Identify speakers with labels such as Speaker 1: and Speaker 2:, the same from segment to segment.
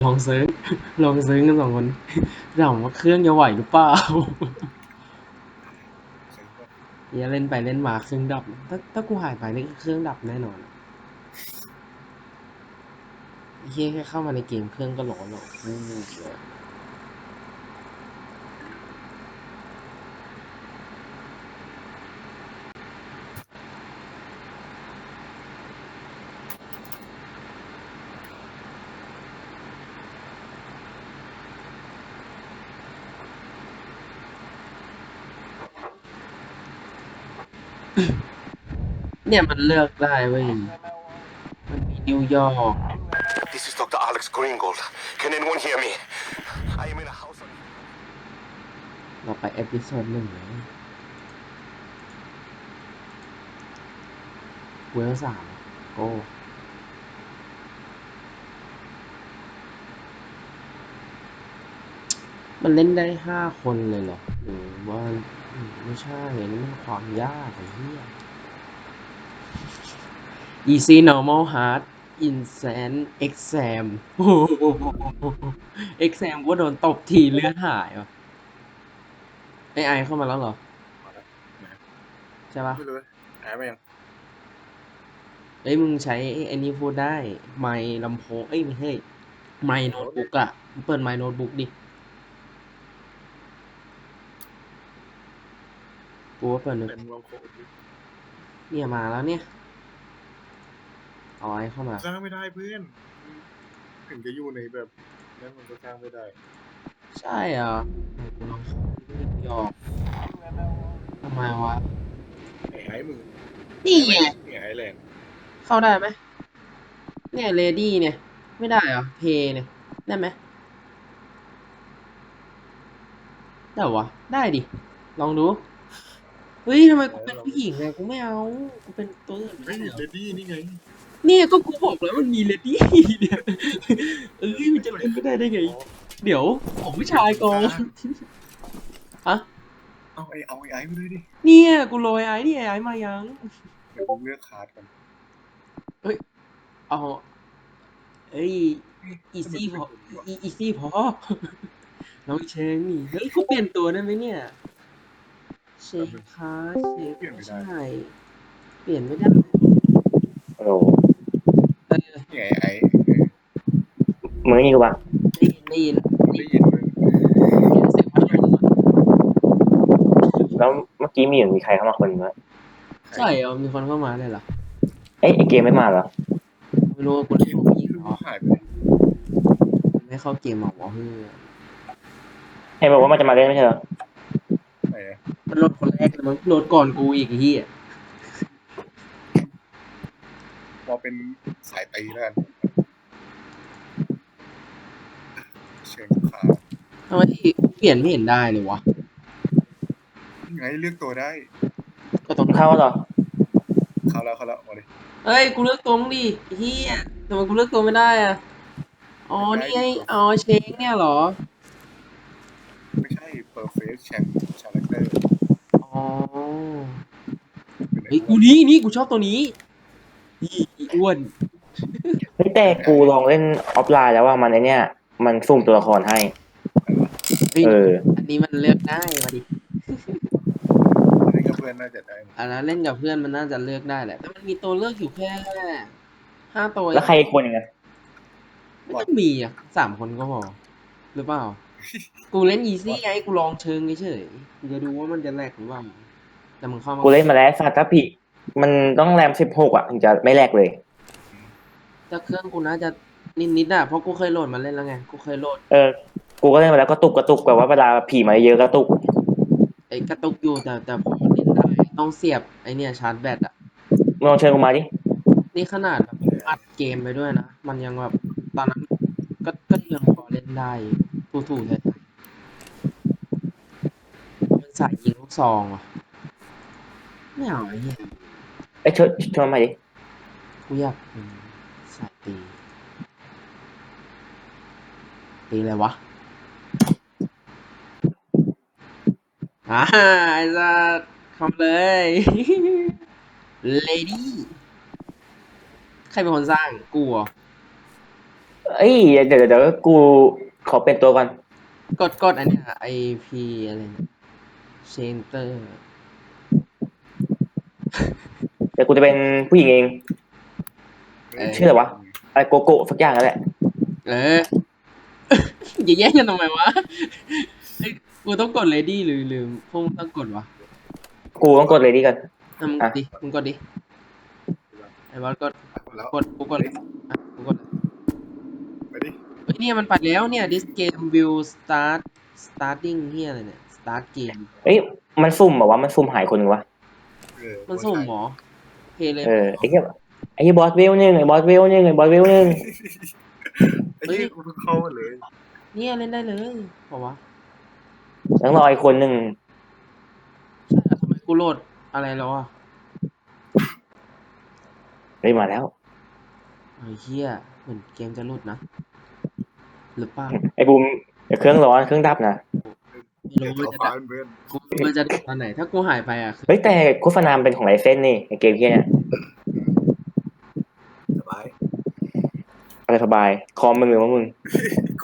Speaker 1: ลองซื้อลองซื้อกัน2 คนถามว่าเครื่องจะไหวหรือเปล่า
Speaker 2: ซื้อป่ะ
Speaker 1: อย่าเล่นไปเล่นมาเครื่องดับถ้ากูหายไปนี่เครื่องดับแน่นอนเฮียแค่เข้ามาในเกมเครื่องก็ร้อนแล้วเนี่ยมันเลือกได้เว้ยมันมีนิวยอร์ก
Speaker 3: This is Dr. Alex Greengold. Can anyone hear me? I am in a house on...
Speaker 1: เราไปเอพิโซด1เลยเวล3โอ้มันเล่นได้5 คนเลยเหรอหรือว่าไม่ใช่นี่มันความยากไอ้เหี้ย easy normal hard insane exam โอ้โห exam ก็โดนตบทีเลือดหายวะไอเข้ามาแล้วเหรอ
Speaker 2: มาแล้วนะ
Speaker 1: ใช่ปะ
Speaker 2: ไม่รู้หายไปยัง
Speaker 1: เอ้ยมึงใช้ไอ้นี่พูดได้ไมค์ลำโพงเอ้ยไม่ใช่ไมค์โน้ตบุ๊กอะมึงเปิดไมค์โน้ตบุ๊กดิกูว่าเปิดโน้ต
Speaker 2: เป็นลองโคด
Speaker 1: เนี่ยมาแล้วเนี่ยเอาไอ้เข้ามา
Speaker 2: สร้างไม่ได้เพื่อนถึงจะอยู่ในแบบนั้นมันก็สร้างไม่ได้
Speaker 1: ใช่เหรอกูลองเข้านิวยอร์กทำไมวะ
Speaker 2: ไอ้มึง
Speaker 1: นี่ไง
Speaker 2: ไอ้แลนด์
Speaker 1: เข้าได้ไหมเนี่ยเลดี้เนี่ยไม่ได้เหรอเพย์เนี่ยได้ไหมได้เหรอวะได้ดิลองดูเฮ้ยทำไมกูเป็น
Speaker 2: เรา
Speaker 1: ผู้หญิงอะกูไม่เอากูเป็นตัวอื่นไม่
Speaker 2: เฮ้ย
Speaker 1: ได้เหรอ
Speaker 2: เลดี้นี่ไง
Speaker 1: เนี่ยก็กูบอกแล้วมันมีเลดี้เนี่ยเอ้ยมันจะเล่นไม่ได้ได้ไงเดี๋ยวผมผู้ชายก่อนฮะ
Speaker 2: เอาไอ้ไปเลยดิ
Speaker 1: เนี่ยกูโรยไอ้นี่ไอ้มายัง
Speaker 2: เดี๋ยวผมเลือกคาร์ดก่อน
Speaker 1: เฮ้ยเอาเอ้ยอี
Speaker 2: ทำไม
Speaker 1: ซี่พอ
Speaker 2: กูเป็นตัวนี้วะ
Speaker 1: อีซี่พอน้องเชงนี่เฮ้ยกูเปลี่ยนตัวได้ไหมเนี่ยเชฟ
Speaker 2: แป๊บนึง
Speaker 1: คาเชฟ
Speaker 2: เปลี่ยนไม่ได้
Speaker 1: ไม่ใช่เปลี่ยนไม่ได้
Speaker 4: ฮัลโหล
Speaker 2: นี่ไอ้
Speaker 4: มึงนี่กูปะ
Speaker 1: ได้ยิน
Speaker 2: ได้ยินมึง
Speaker 1: เสียงพัดลมอะ
Speaker 4: แล้วเมื่อกี้มีเหมือนมีใครเข้ามาคนนึงวะ
Speaker 1: ใช่เหรอมีคนเข้ามาเลยเหรอ
Speaker 4: เอ้ยไอเกมไม่มาเหรอ
Speaker 1: ไม่รู้ว่ากู
Speaker 2: เก
Speaker 1: เล่น
Speaker 2: ม
Speaker 1: ผู้หญิง
Speaker 2: ไม่รู้
Speaker 1: เหรอ
Speaker 2: ว่าหายไปไหน
Speaker 1: ไม่เข้าเกมหรอวะเฮ้ย
Speaker 4: ให้บอกว่ามันจะมาเล่นไม่ใช่เหรอ
Speaker 2: ไหนนะ
Speaker 1: มันโหลดคนแรกเลยมันโหลดก่อนกูอีกไอ้เหี้ย
Speaker 2: พอเป็นสายตีแล้วกันเชิญคาร์ด
Speaker 1: ทำไมเปลี่ยนไม่เห็นได้เลยวะ
Speaker 2: นี่ไงเลือกตัวได้
Speaker 1: ก็ต้อง
Speaker 4: เข้าเหรอ
Speaker 2: เข้าแล้วมาดิ
Speaker 1: เฮ้ยกูเลือกตัวมึงดิไอ้เหี้ยทำไมกูเลือกตัวไม่ได้อะอ๋อนี่ไงอ๋อเชงเนี่ยเหรอ
Speaker 2: ไม่ใช่ perfect character
Speaker 1: อ๋อ
Speaker 2: เป็นไอ้
Speaker 1: เฮ้ย
Speaker 2: อ้ว
Speaker 1: กู
Speaker 2: น
Speaker 1: นี่กูชอบตัวนี้อีอ้วน
Speaker 4: เฮ้ยแต่กูลองเล่นออฟไลน์แล้วว่ามันไอเนี้ยมันสุ่มตัวละครให้
Speaker 1: เฮ้ย
Speaker 4: เออ
Speaker 1: อันนี้มันเลือกได้มาดิ
Speaker 2: อันนี้ก็เพื่อนน่าจะได้
Speaker 1: อันนั้นเล่นกับเพื่อนมันน่าจะเลือกได้แหละแต่มันมีตัวเลือกอยู่แค่5 ตัว
Speaker 4: แล้วใครอีกคนยังไง
Speaker 1: ไม่ต้องมีอ่ะ3 คนก็พอหรือเปล่า กูเล่นอีซี่ไงกูลองเชิงเฉยๆกูจะดูว่ามันจะแลกหรือเปล่าแต่มึงเข้ามา
Speaker 4: กูเล่นมาแล้วซาตาพิมันต้องแรม16อ่ะถึงจะไม่แลกเลย
Speaker 1: แต่เครื่องกูน่าจะนิดๆอ่ะเพราะกูเคยโหลดมาเล่นแล้วไงกูเคยโหลด
Speaker 4: เออ กูก็เล่นมาแล้วก็ตุกแบบว่าเวลาผีมาเยอะก็ตุก
Speaker 1: ไอ้กระตุกอยู่แต่พอเล่นได้ต้องเสียบไอ้เนี่ยชาร์จแบตอ่ะ
Speaker 4: มึงลองเชิญกูมาดิ
Speaker 1: นี่ขนาดแบบอัดเกมไปด้วยนะมันยังแบบตอนนั้นก็ยังพอเล่นได้ถูกๆเลยมันสายยิงลูกซองอ่ะไม่เอาไอ้เหี้ย
Speaker 4: เอ้ยเชิญมาดิ
Speaker 1: กูอยากเป็นสายตีอะไรวะไอ้สัสทำเลย เลดี้ใครเป็นคนสร้างกูเหรอ
Speaker 4: เอ้ยเดี๋ยวกูขอเป็นตัวก่อน
Speaker 1: กดอันเนี้ย IP อะไรเนี่ย Center
Speaker 4: เดี๋ยวกูจะเป็นผู้หญิงเอง
Speaker 1: เออ
Speaker 4: ชื่ออะไรวะ อะไรโกโก้สักอย่างนั่นแหละ
Speaker 1: เออ อย่าแย่งกันทำไมวะเอ้ยกูต้องกด ready หรือลืมพวกมึงต้องกดวะ
Speaker 4: กูต้องกดเลยดีกัน
Speaker 1: อ่ะมึงกดดิมึงกดดิไอ้บอสกด
Speaker 2: แล้ว
Speaker 1: กดกูกดอ่ะกูกด
Speaker 2: ไปดิ
Speaker 1: เฮ้ยเนี่ยมันไปแล้วเนี่ย this game will starting เฮียอะไรเนี่ย start game
Speaker 4: เอ้ยมันซุ่มเหรอวะมันซุ่มหายคนหนึ่งวะ
Speaker 1: มันสุ่มเหรอเพลย์เลย
Speaker 4: ไอ้เหี้ยบอสเวลหนึ่งไอ้บอสเวลหนึ่งไอ้บอสเวลหนึ่ง
Speaker 2: ไอ้ที่กูเพิ่งเข้ามาเลย
Speaker 1: เนี่ยเล่นได้เลยบอกว่า
Speaker 4: ต้องรออีกคนหนึ่ง
Speaker 1: ใช่เหรอทำไมกูโหลดอะไรแล้วอ่ะ
Speaker 4: เฮ้ยมาแล้ว
Speaker 1: ไอ้เฮียเหมือนเกมจะหลุดนะหรือเปล่า
Speaker 4: ไอ้บูมเดี๋ยวเครื่องร้อนเครื่องดับนะ
Speaker 1: ไม่รู้
Speaker 2: ต่
Speaker 1: ว่า
Speaker 2: อ
Speaker 1: จะ
Speaker 2: ฟ้า
Speaker 1: ดับ
Speaker 2: เพื่อน
Speaker 1: กูไม่รู้ว่าจะดับตอนไหน ถ้ากูหายไปอ่ะคือ
Speaker 4: เฮ้ยแต่โฆษณามันเป็นของไรเส้นนี่ในเกมเฮียเนี่ย
Speaker 2: สบาย
Speaker 4: อะไรสบายคอมมึงหรือว่ามึง
Speaker 2: กู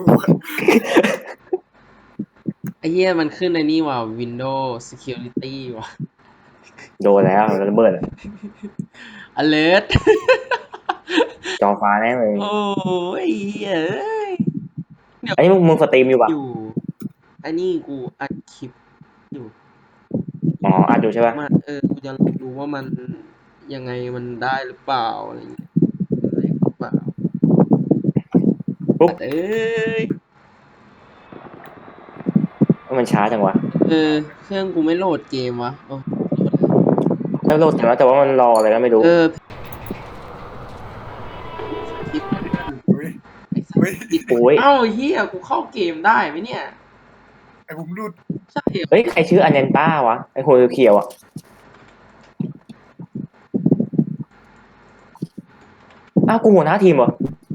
Speaker 1: ไอ้เฮียมันขึ้นในนี่ว่ะ Windows Security ว่ะ
Speaker 4: โดนแล้วระเบิด
Speaker 1: alert
Speaker 4: จอฟ้าแน่เลย
Speaker 1: โอ้ยเหี้ยเอ้ย
Speaker 4: อันนี้มึงสตรีมอยู่ปะ
Speaker 1: อยู่อันนี้กูอัดคลิปอยู่
Speaker 4: อ๋ออัดอยู่ใช่ปะ
Speaker 1: มากูจะลองดูว่ามันยังไงมันได้หรือเปล่าอะไรอย่างเงี้ยได้หรือเปล่าเอ้ย
Speaker 4: มันช้าจังวะ
Speaker 1: เครื่องกูไม่โหลดเกมวะโอ้โหลด
Speaker 4: แล้วโหลดแต่ว่ามันรออะไรก็ไม่รู้
Speaker 1: คลิปมัน
Speaker 2: เฮ้ย
Speaker 1: ไอ้สั
Speaker 2: เฮ้ย
Speaker 1: สติด
Speaker 4: โอ้ย
Speaker 1: เอ้าเฮียกูเข้าเกมได้ไหมเนี่ย
Speaker 2: ไอ้ผมรุด
Speaker 1: ใช่เหรอ
Speaker 4: เฮ้ยใครชื่ออันเนนต้าวะไอ้หัวเขียวๆอ่ะอ้าวกูหัวหน้าทีมเหรอ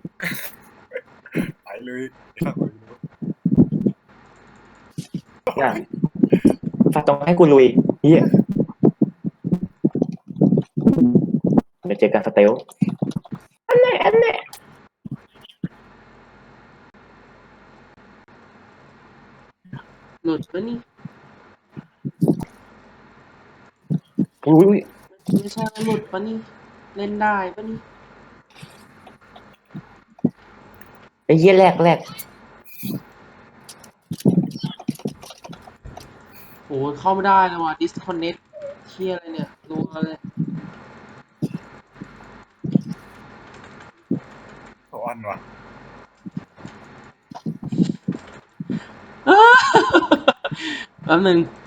Speaker 2: ไปเลย
Speaker 4: น่ะฝากต้องให้กูลุยเฮียเดี๋ยวเจอกันสเตลอันไหน
Speaker 1: หลุดปะนี่
Speaker 4: อุ้ย
Speaker 1: ไม่ใช่หลุดปะนี่เล่นได้ปะนี่
Speaker 4: ไอ้เหี้ยแรก
Speaker 1: โอ้เข้าไม่ได้เลยว่ะ disconnect เที่ยอะไรเนี่ยรัวเลย
Speaker 2: สอนว่ะ
Speaker 1: แป๊บนึง